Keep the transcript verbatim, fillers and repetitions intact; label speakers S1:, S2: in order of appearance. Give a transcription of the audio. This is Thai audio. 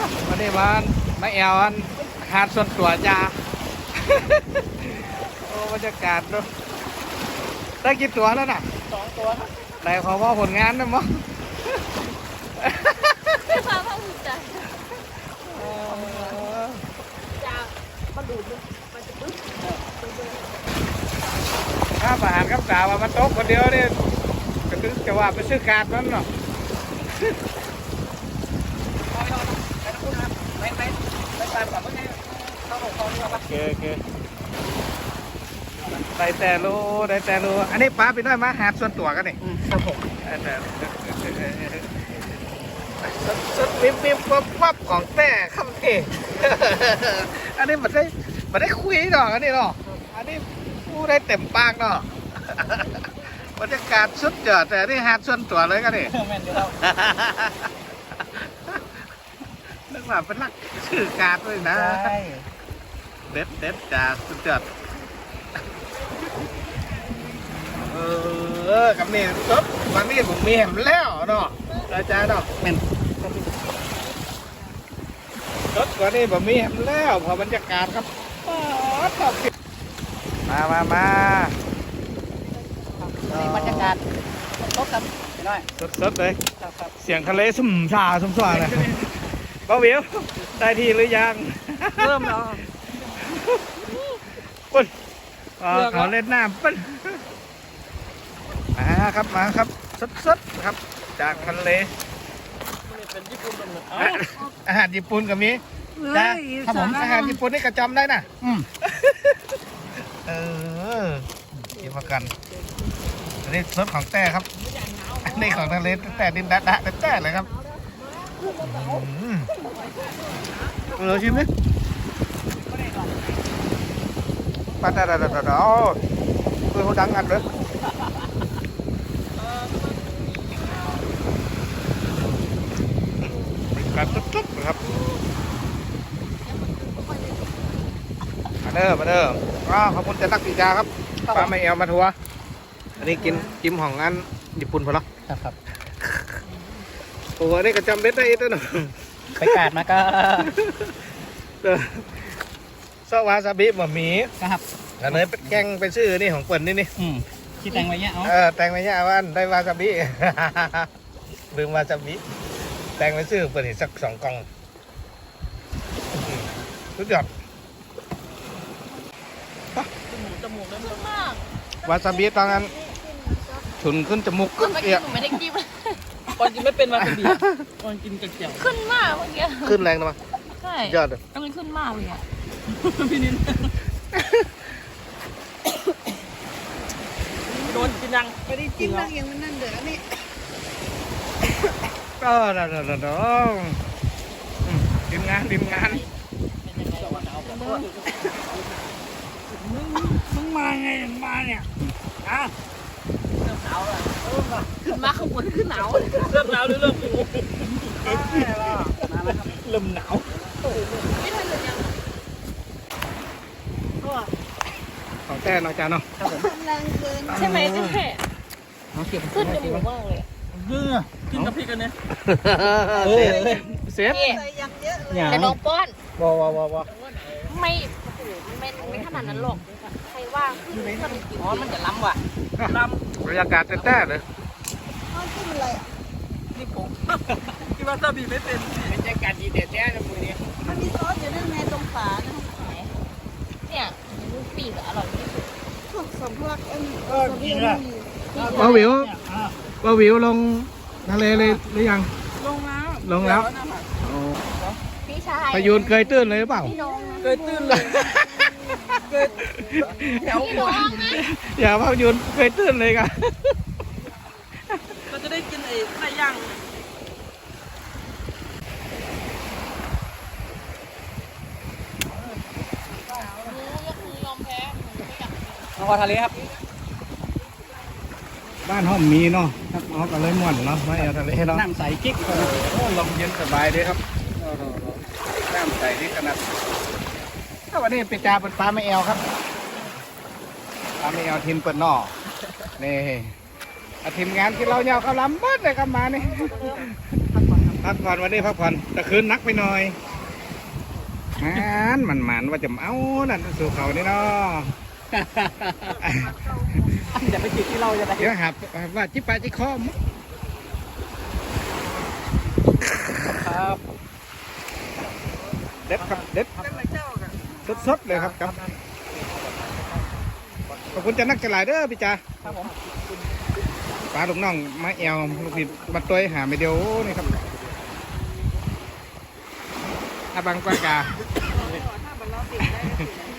S1: วันนี้มันมาแอวอันหาดส่วนตัวจ้า โอ้บรรยากาศเนาะได้กี่ตัวแล้วน่ะ
S2: สองตัวนะ
S1: ไหนขอว่าผลงานนะมั้ง
S3: ไม่พาพ่อภูมิใจจะมาดูดมันจะปึ๊บ
S1: ถ้าประหารกับสาวมาตกคนเดียวเนี่ยก็ถึงจะว่าไปซื้อการมันเนาะ
S2: ไปไปไปตามกับเมื่อไงเข้าของเขาดีกว่าปะ
S1: โอเคโอเคได้แต่รู้ได้แต่รู้อันนี้ป้าไปด้วยมาหาดส่วนตัวกันนี่
S2: ครับผม
S1: แต่สดสดวิบวิบวับวับของแต่คำเท อันนี้มันได้มันได้คุยหรอกอันนี้เนาะอันนี้พูดได้เต็มปากเนาะ บรรยากาศสุดยอดแต่นี่หาดส่วนตัวเลยกันนี่
S2: แม่นเดี๋ยวเรา
S1: นึกว่าเป็นนักชื่อการด้วยนะ
S2: ใช่
S1: เด็ดเด็ดจ้าสุดยอดเออกับนี่รถวันนี้ผมมีแหมแล้วเนาะอาจารย์เนาะ
S2: แม่น
S1: รถวันนี้ผมมีแหมแล้วพอบรรยากาศครับมามามา
S2: บรรยากาศรถครับน้อย
S1: สดสดๆเลย
S2: ครับครับ
S1: เสียงทะเลสุ่มซาสุ่มซ่าเลยป้าวิวได้ที่หรือยัง
S2: เริ่มแล้ว
S1: ปุ๊บอ๋อเขาเล่นน้ำปุ๊บมาครับมาครับสดๆครับจากทะเล
S2: เป็นญี่ปุ่นเป็น
S1: อ่ะอาหารญี่ปุ่นกับมีจ้าครับผมอาหารญี่ปุ่นนี่ก็จำได้นะอืมเออกินมากันอันนี้รสของแต่ครับอันนี้ของทะเลแต่ดินดะดะแต่เลยครับอืมเออชิมดิปลาดาดาดาดาโอ้คือเขาดังอันเลยการตุ๊บๆนะครับมาเด้อมาเด้ออ้าวขอบคุณจะตักปีจาครับปลาไม่เอวมาทัวร์อันนี้กินจิ้มของงานญี่ปุ่นพอแล้ว
S2: ครับครับ
S1: โอ้โหนี่ก็จำเบ็ดได้อีกตัวหนึ่ง
S2: ไปกาดมาก็
S1: ซอวาซาบิบะหมี่
S2: ครับ
S1: อันนี้เป็นแกงเป็นชื่อนี่ของเปิ่นนี่นี่
S2: อืมคิดแต่งไว้เนี้ยเอา
S1: เออแตงไม่ใช่ว่าได้วาซาบิ ลืมวาซาบิแตงเป็นชื่อเปิ่นอีกสักสองกล่องอืมสุดยอด
S2: จมูกเริ่ม
S3: ขึ้นมาก
S1: วาซาบิตอนนั้นฉุนขึ้นจมูก
S3: ขึ้
S1: ขึ้
S3: น
S1: น
S3: เมื่อ
S1: เอี
S3: กี้
S1: ย
S3: หนูไม่ได้กิน
S2: ตอนกินไม่เป็นวาซาบิตอนกินกระเจียว
S3: ขึ้นมากเมื่อกี้
S1: ขึ้นแรงนะมั้ง
S3: ใช่
S1: ยอดเลย
S3: กำลังขึ้นมากเลยอ่ะ
S2: พี่นินโดนกินยังไม่ได้กินแล้ว
S1: ก็เดี๋ยวเดี๋ยวเดี๋ยวอืมทีมงานทีมงาน
S2: มึงมาไงมาเนี่ยอ่ะเริ่มหนาวแล้วเริ่มละ
S3: ขึ้นมาข้างบนขึ้นหนาว
S2: เริ่มหนาวหรือเริ่มหิวเริ่มหนาว
S3: ไม่ทันเลยยัง
S1: ของแท้น้องจานเนาะ
S3: ใช่ไหมใช่ไหม
S2: น้องเก็บ
S3: ขึ้นจมูกมากเลย
S2: เนื้อกินกับพริกกันเนี่ย
S1: เซฟเซฟ
S3: นี่
S2: อย่าง
S3: แต่น้องป้อน
S2: ว้าวว้าวว้าว
S3: ไม่โอ้โหไม่ไม่ขนาดนั้นหรอกใครว่าขึ้นมัน
S2: อ๋อมันจะล้ำว่ะล้
S1: บรรยากาศแท้ๆเลย
S2: ำนี่ผมที่ว่าซาบีไม่เป็นบรรยากาศดีเด็ดแน่ในมือนี้
S4: มันมีซอสอยู่ด้านในตรงฝานะ
S3: เนี่ยลูกปีกอร่อยที่สุด
S4: พวกสำลักเอ็ม
S2: เออกินละ
S1: ป้าวิวป้าวิวลงทะเลเลยหรือยัง
S2: ลงแล้ว
S1: ลงแล้ว
S3: พี่ชาย
S1: พายุนเคยตื้นเลยหรือเปล่า
S3: พี่น้อง
S2: เคยตื่นเลยเคยแถว
S3: พี่
S2: หั
S3: น้
S2: ว
S3: องนะ
S1: อย่าพายุนเคยตื้นเลยกัน
S2: เราจะได้กินไอ้ไส้ย่าง
S3: ยอมแพ้
S2: น้องทะเลครับ
S1: บ้านห้องมีเนาะครับน้องก็เลยม่วนเนาะไม่เอาทะเลเนาะ
S2: น้ำใสกิ๊ก
S1: โอ้ลมเย็นสบายดีครับน้ำใสนี่ขนาดถ้าวันนี้ไปจาเป็นปลาไม่แอวครับปลาไม่แอวทีมเปิดนอนี่อาทีมงานที่เราเนี่ยเขาลำบัดเลยครับมานี่
S2: ค
S1: พักผ่อนวันนี้พักผ่อนแต่คืนนักไปหน่อยมันมันมันว่าจะเอานั่นสู่เขานี่เนาะ
S2: อย่าไปจิตที่เราจะได้
S1: เดี๋ยวหาว่าจิปาจิคอม
S2: ครับ
S1: เด็ดครับเด็ดสดๆเลยครับครับขอบคุณจะนักจะหลายเด้อพี่จ๋า
S2: ครับผม
S1: ปลาลูกน้องมาแอวลูกพี่มาตัวหาไม่เดียวนี่ครับอาบังปลากา
S4: ถ้ามันเราติดได้ก็ติด